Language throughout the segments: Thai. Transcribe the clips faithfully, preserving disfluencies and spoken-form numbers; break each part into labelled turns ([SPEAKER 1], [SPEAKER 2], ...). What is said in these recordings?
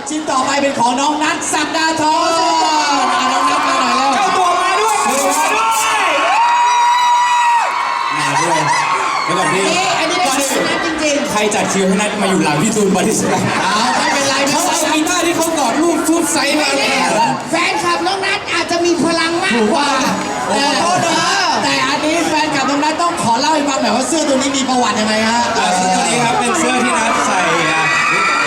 [SPEAKER 1] ชิ้นต่อไปเป็นของน้องนัทศักดาธรน้องนัทมาหน่อยแล้ว
[SPEAKER 2] เจ้าตัวมาด้วยมาด้วย
[SPEAKER 3] มาด้วยแล้วแบบนี้
[SPEAKER 1] อันนี้เป็นของนัทจริงๆ
[SPEAKER 3] ใครจัดคิวให้นัทมาอยู่หลังพี่ตูนบอดี้สแลม
[SPEAKER 1] เอาไม่เป็นไรไม่
[SPEAKER 3] เขา
[SPEAKER 1] เป็น
[SPEAKER 3] เอา
[SPEAKER 1] ไร
[SPEAKER 3] กีตาร์ที่เขากอดรูปฟุตไซส์มาเลย
[SPEAKER 4] แฟนคลับน้องนัทอาจจะมีพลังมากกว่า
[SPEAKER 1] แต่แต่อันนี้แฟนกับน้องนัทต้องขอเล่าให้ฟังหน่อยว่าเสื้อตัวนี้มีประวัติยังไงฮะ
[SPEAKER 3] เสื้อตัวนี้ครับเป็นเสื้อที่นัทใส่อ่ะ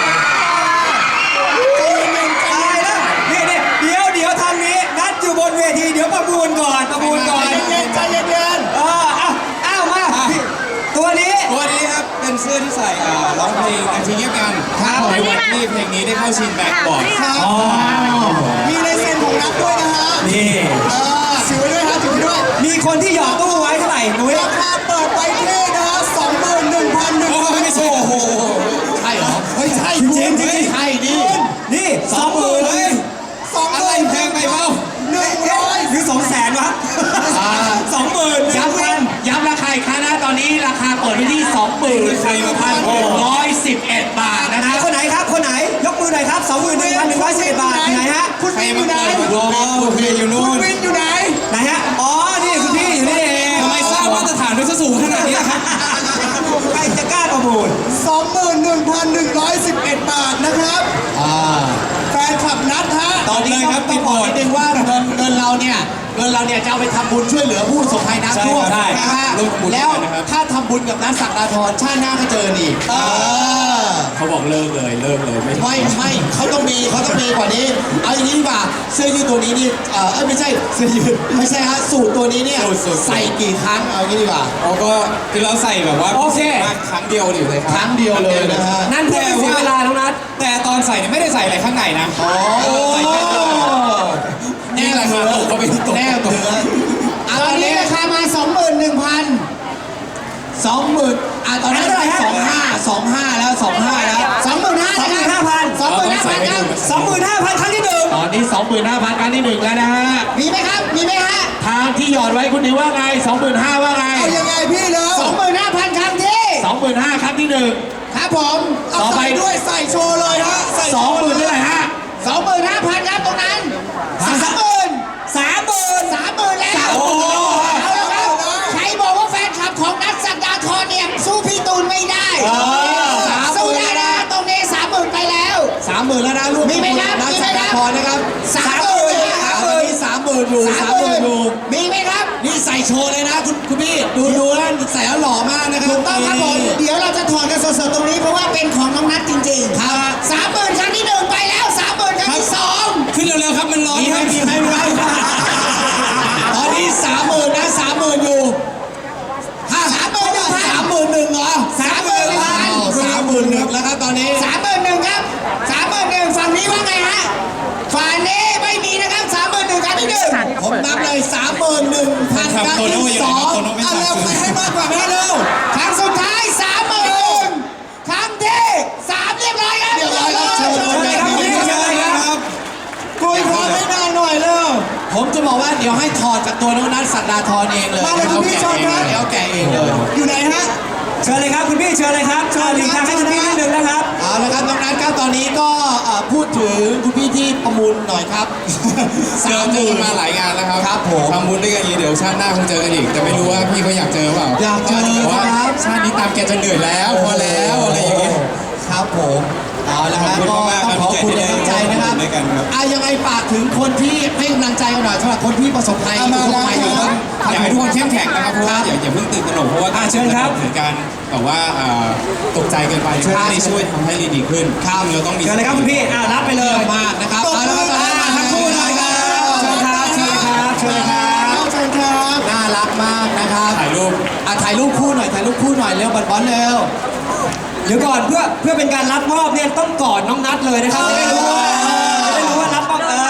[SPEAKER 2] อะไรนะนี่นี่เดี๋ยวเดี๋ยวทางนี้นัดอยู่บนเวทีเดี๋ยวประมูลก่อนประมูลก่อน
[SPEAKER 1] ใจเย็นใจเย็น
[SPEAKER 2] เอออ้าวอ้าวมาพี่ตัวนี้
[SPEAKER 3] ตัวนี้ครับเป็นเสื้อที่ใส่อ่าร้องเพลงนาทีเงียบกันครับในวันที่เพลงนี้ได้เข้าชิงแบ็คบอร์ด
[SPEAKER 2] อ๋อ
[SPEAKER 1] มีลายเซ็นของนัทด้วยนะฮะ
[SPEAKER 2] นี่
[SPEAKER 1] เออถือไว้ด้วยฮะถือไว้ด้วย
[SPEAKER 2] มีคนที่หยอดตู้ไว้เท่าไหร่นุ้ย
[SPEAKER 1] ราคาเปิดไว้ที่นะฮะสองหมื่นหนึ่งพันหนึ่ง
[SPEAKER 3] โอ้
[SPEAKER 1] ร้อย
[SPEAKER 3] ไม่ใช่โอ้โห
[SPEAKER 1] ใช่เหรอเฮ้ยใช่
[SPEAKER 2] จริงจริงจริง
[SPEAKER 1] ใช่ดิ
[SPEAKER 2] นี่สองหมื่น
[SPEAKER 3] เฮ้ย
[SPEAKER 1] สองห
[SPEAKER 3] อะไร
[SPEAKER 1] มื่น
[SPEAKER 3] แพงไปเปล่า
[SPEAKER 1] หนึ่งร้อย
[SPEAKER 2] หรือสองแสนวะสองหมื่นหนึ่ง
[SPEAKER 1] ย้ำ
[SPEAKER 2] พัน
[SPEAKER 1] ย้ำราคาอีกครั้งนะตอนนี้ราคาเปิดไว้ที่สองหมื่นหนึ่งพันหกร้อยสิบเอ็ดบาทนะ
[SPEAKER 2] ไหน
[SPEAKER 1] ครับ
[SPEAKER 2] คนไหนครับคนไหนยกมือหน่อยครับสองหมื่นหนึ่งพันหนึ่งร้อยสิบเอ็ดบาทไหนฮะ
[SPEAKER 1] คุณ
[SPEAKER 3] ใคร
[SPEAKER 1] วินอ
[SPEAKER 3] มา
[SPEAKER 1] ยู่ไหน
[SPEAKER 3] เปิดรอโอเคอยู่นู่
[SPEAKER 1] คุณ
[SPEAKER 3] น
[SPEAKER 1] วินอยู่ไหน
[SPEAKER 2] ไหนฮะอ๋อนี่คุณพี่อยู่นี่เอง
[SPEAKER 3] ทำไมสร้างมาตรฐานด้วยสูงขนาดนี้ครับ
[SPEAKER 2] ใครจะกล้าประมูล
[SPEAKER 1] สองหมื่นหนึ่งพันหนึ่งร้อยสิบเอ็ดบาทนะครับแฟนคลับนัดฮะตอนนี้ครับต้องบอกนิดนึงว่าเงินเงินเราเนี่ยเงินเราเนี่ยจะเอาไปทำบุญช่วยเหลือผู้ประสบภัยน้ำท่วม
[SPEAKER 2] ใช่
[SPEAKER 1] นะฮะ
[SPEAKER 3] ร่วมบุญ
[SPEAKER 1] แล้ว
[SPEAKER 3] กันนะครับ
[SPEAKER 1] ถ้าทำบุญกับนัทศักดาธรชาติหน้าก็เจออีกเออ
[SPEAKER 3] เขาบอกเลิกเลยเลิกเลยไม่
[SPEAKER 1] ไม่ไม่เขาต้องมีเขาต้องมีกว่านี้ เอาอย่างนี้ดีกว่าเสื้อยืดตัวนี้นี่เออเอ้ยไม่ใช่เสื้อยืดไม่ใช่ฮะสูตรตัวนี้เนี่ยใส่กี่ครั้งเอาอย่างนี้ดีกว่า
[SPEAKER 3] เขาก็คือเราใส่แบบว่า
[SPEAKER 2] โอเค
[SPEAKER 3] มากครั้งเดียวอยู่เลยครับ
[SPEAKER 1] ครั้งเดียวเลยนะฮะ
[SPEAKER 2] นั่นเพื่อไม่เสียเวลาน้องนัท
[SPEAKER 3] แต่ตอนใส่เนี่ยไม่ได้ใส่อะไรข้างในนะ
[SPEAKER 1] โอ้
[SPEAKER 3] ใส่แค่ตัวนี่ราคาตกก็ไปตก
[SPEAKER 1] แน่เถือ
[SPEAKER 4] ตอนนี้ราคามาสองหมื่นหนึ่งพัน
[SPEAKER 1] สองหมื่นอ่ะตอนนั้นสองห้าสองห้าแล้วสองห้าแล้ว
[SPEAKER 4] สองหมื่นห้า
[SPEAKER 2] สองหมื่นห้าพัน
[SPEAKER 4] สองหมื่นห้าพันครับ
[SPEAKER 2] สองหมื่นห้าพันครั้งที่หนึ่ง
[SPEAKER 1] ตอนนี้สองหมื่นห้าพันครั้งที่หนึ่งแล้วนะฮะ
[SPEAKER 4] มีไหมครับ มีไหมฮะ
[SPEAKER 1] ทางที่หยอดไว้คุณนิวว่าไงสองหมื่นห้าว่าไง
[SPEAKER 4] เอายังไงพี่เร็วสองหมื่นห้าพันครั้งที่
[SPEAKER 1] สองหมื่นห้าครั้งที่หนึ่ง
[SPEAKER 4] ครับผม
[SPEAKER 1] ต่อไป
[SPEAKER 4] ด้วยใส่โชว์เลยฮะ
[SPEAKER 1] สองหมื่นเท่าไหร่ฮะ
[SPEAKER 4] สองหมื่นห้าพันครับตรงนั้นสามหมื่น
[SPEAKER 2] สามหมื่น
[SPEAKER 4] สามหมื่นแล้ว
[SPEAKER 1] โอ้โห
[SPEAKER 4] เอาละครับใครบอกว่าแฟนคลับของนัทศักดาธรเนี่ยสู้พี่ตูนไม่ได้
[SPEAKER 1] เออสามห
[SPEAKER 4] สู้
[SPEAKER 1] มื่น
[SPEAKER 4] ได้นะตรงนี้สามหมื่นไปแล้ว
[SPEAKER 1] สามหมื่นแล้วนะลูก
[SPEAKER 4] มีไหมครับ
[SPEAKER 1] นัก
[SPEAKER 4] มีไหม
[SPEAKER 1] สัก
[SPEAKER 4] ครับ
[SPEAKER 1] พรนะครับ
[SPEAKER 4] สามหมื่น
[SPEAKER 1] สามหมื่นนี่สามหมื่นอยู่สามหมื่นอยู่
[SPEAKER 4] มีไหมครับ
[SPEAKER 1] นี่ใส่โชว์เลยนะคุณคุณพี่ดูดูนะใส่แล้วหล่อมากนะครับ
[SPEAKER 4] ถูกต้องครับผมเดี๋ยวเราจะถอดกันสดๆตรงนี้เพราะว่าเป็นของน้องนัทจริงๆ
[SPEAKER 1] ครับ
[SPEAKER 4] สามหมื่นครั้งที่หนึ่งไปแล้วสามหมื่นครั้งที่สอง
[SPEAKER 3] ขึ้นเร็วๆครับมันร้อน
[SPEAKER 1] มีไหม
[SPEAKER 3] ครับ
[SPEAKER 1] มีไหมมีไหมตอนนี้สามหมื่นนะสามหมื่นอยู่ห้าสามหมื่นสามหมื่นหนึ่งเหรอ
[SPEAKER 4] สามหมื่นพัน
[SPEAKER 1] สามหมื่นหนึ่งแล้วครับตอนนี้
[SPEAKER 4] สามหมื่นหนึ่งครับสามหมื่นหนึ่งฝั่งนี้ว่าไงฮะฝั่งนี้ไม่มีนะครับสามหมื่นหนึ่งครั้งที่หนึ่ง
[SPEAKER 1] ผมนับเลยสามหมื่นหนึ่งพันครั้งที่สองเอาเร็วใครให้มากกว่าแม่เร็ว
[SPEAKER 4] ครั้งสุดท้ายสามหมื่นครั้งที่สามเรียบร้อยครับ
[SPEAKER 1] เรียบร้อยครับเชิญ
[SPEAKER 2] เชิญเลยครับพี่เชิญเลยครับ
[SPEAKER 1] กุยพรไม่นานหน่อยเร็วผมจะบอกว่าเดี๋ยวให้ถอดจากตัวน้องนัทศักดาธรเองเลย
[SPEAKER 4] มาเลยคุณพี่เชิญครับ
[SPEAKER 1] เดี๋ยวแกะเองเลย
[SPEAKER 4] อยู่ไหนฮะ
[SPEAKER 2] เชิญเลยครับคุณพี่เชิญเลยครับเชิญหลีกทางให้คุณพี่นิดนึงนะครับ
[SPEAKER 1] เอาละครับน้องนัทครับตอนนี้ก็เอ่อพูดถึงคุณพี่ที่ประมูลหน่อยครับ
[SPEAKER 3] เจอเจอกันมาหลายงานแล้วครับ
[SPEAKER 1] ครับผม
[SPEAKER 3] ทำบุญด้วยกันอีกเดี๋ยวชาติหน้าคงเจอกันอีก แต่ไม่รู้ว่าพี่เขาอยากเจอเปล่า
[SPEAKER 1] อยากเจอ
[SPEAKER 3] แต่ว่า
[SPEAKER 1] ครับ
[SPEAKER 3] ชาตินี้ตามแกจะเหนื่อยแล้วพอแล้วอะไรอย่างเงี้ย
[SPEAKER 1] ครับผมเอาละครับ
[SPEAKER 3] ขอบคุณ
[SPEAKER 1] ก็
[SPEAKER 3] มากๆ
[SPEAKER 1] ต้องขอบคุณในน้ำใจนะครับ
[SPEAKER 3] ด้วยกันครับ
[SPEAKER 1] อ่ะยังไงฝากถึงคนที่ให้กำลังใจกันหน่อยสำหรับคนที่ประสบภัย
[SPEAKER 4] เอามา
[SPEAKER 1] ประสบภัยอยู่
[SPEAKER 4] แล้ว
[SPEAKER 1] ครับ
[SPEAKER 3] อยากให้ทุกคนเข้มแข็งนะครับเพราะว่าอย่าอย่าเพิ่งตื่นตระหนกเพราะว่า
[SPEAKER 2] อ่ะเชิญครับ
[SPEAKER 3] ถึงการแบบว่าเอ่อตกใจเกินไปช่วยให้ช่วยทำให้ดีขึ้นข้ามเราต้องมี
[SPEAKER 2] เชิญเลยครับคุณพี่อ่ารับไปเลย
[SPEAKER 1] มากนะครับเอาละครับตอนนี้มาทั้งคู่เลยครับ
[SPEAKER 2] เชิญครับเชิญเลยครับเชิญเลยครับ
[SPEAKER 1] เชิญครับน่ารักมากนะครับ
[SPEAKER 3] ถ่ายรูป
[SPEAKER 1] อ่ะถ่ายรูปคู่หน่อยถ่ายรูปคู่หน่อยเร็วบอลบอลเร็ว
[SPEAKER 2] เดี๋ยวก่อนเพื่อเพื่อเป็นการรับมอบเนี่ยต้องกอดน้องนัทเลยนะครับจะได้รู้ว่าจะได้รู้ว่ารับมอบเออ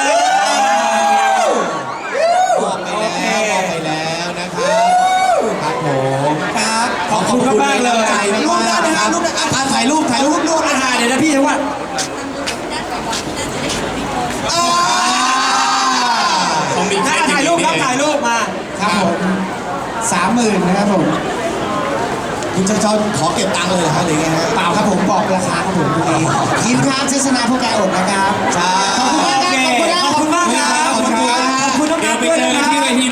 [SPEAKER 1] บอกไปแล้วบอกไปแล้วนะครับครับผมครับขอบคุณมากเลยรูปได้นะฮะรูปได้อ่ะถ่ายรูปถ่ายรูปรูปนะฮะ
[SPEAKER 2] เดี๋ยวนะพี่จังหวะ
[SPEAKER 3] ต้องมี
[SPEAKER 2] ถ่ายถ่ายรูปครับถ่ายรูปมา
[SPEAKER 1] ครับผม
[SPEAKER 4] สามหมื่นนะครับผม
[SPEAKER 1] คุณชอนขอเก็บตังค์เลยเหรอครับหรือไงฮะ
[SPEAKER 4] เปล่าครับผมบอกราคาครับผมตรงนี้ทีมค้าซื้อชนะผู้แกอดนะครับ
[SPEAKER 1] ใช่
[SPEAKER 4] ขอบคุณมากครับขอบคุณมาก
[SPEAKER 2] ขอบคุณมากครับ
[SPEAKER 1] ขอบคุณครับ
[SPEAKER 2] ขอบคุณน้อง
[SPEAKER 3] เดี๋
[SPEAKER 2] นั
[SPEAKER 3] ยว
[SPEAKER 2] ท
[SPEAKER 3] ไป
[SPEAKER 2] ด้วย
[SPEAKER 3] เจอ
[SPEAKER 2] นะ
[SPEAKER 3] กัน
[SPEAKER 2] ครับ
[SPEAKER 3] ที่เวที